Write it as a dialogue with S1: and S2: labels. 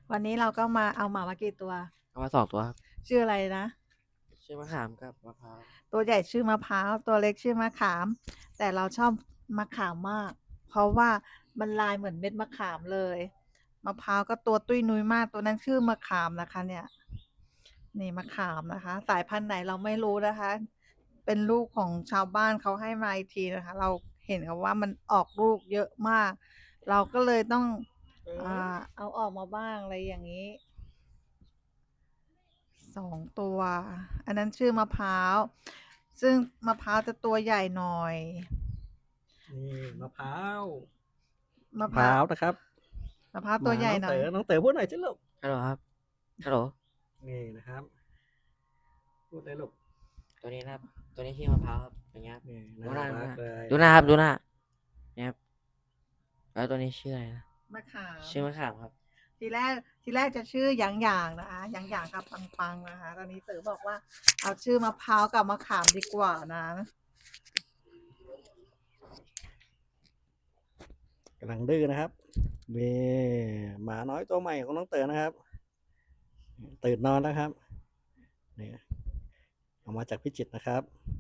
S1: วันนี้เราก็มาเอาหมามากี่ตัว
S2: เอามา2 ตัวครับ
S1: ชื่ออะไรนะ
S2: ชื่อมะขามกับมะพร้าว
S1: ตัวใหญ่ชื่อมะพร้าวตัวเล็กชื่อมะขามแต่เราชอบมะขามมากเพราะว่ามันลายเหมือนเม็ดมะขามเลยมะพร้าวก็ตัวตุ้ยนุ้ยมากตัวนั้นชื่อมะขามนะคะเนี่ยนี่มะขามนะคะสายพันธุ์ไหนเราไม่รู้นะคะเป็นลูกของชาวบ้านเขาให้มาอีกทีนะคะเราเห็นเขาว่ามันออกลูกเยอะมากเราก็เลยต้องเอาออกมาบ้างอะไรอย่างนี้ 2 ตัวอันนั้นชื่อมะพร้าวซึ่งมะพร้าวจะตัวใหญ่หน่อย
S3: นี่มะพร้าว
S1: มะ
S3: มะ
S1: พร้าว
S3: พร้าวนะครับ
S1: มะพร้าวตัว
S3: มาน้อง
S1: ใหญ่หน่อย
S3: เต๋อน้องเต๋อพูดหน่อยสิลูก
S2: ฮัลโหลครับฮัลโหล
S3: นี่นะครับพูดเลยลูก
S2: ตัวนี้นะครับตัวนี้ชื่อมะพร้าวครับอย่างเงี้ยครับ
S3: นี่
S2: ดู
S3: น่า
S2: หน้าดูหน้า
S3: รักเลย
S2: ดูหน้าครับดูหน้าเนี่ยครับแล้วตัวนี้ชื่ออะไรนะ
S1: มะขาม
S2: ชื่อมะขามครับ
S1: ทีแรกทีแรกจะชื่อหยางหยางนะคะหยางหยางกับปังปังนะคะตอนนี้เต๋อบอกว่าเอาชื่อมะพร้าวกับมะขามดีกว่านะ
S3: กำลังดื้อนะครับนี่หมาน้อยตัวใหม่ของน้องเต๋อนะครับตื่นนอนแล้วครับนี่เอามาจากพิจิตรนะครับ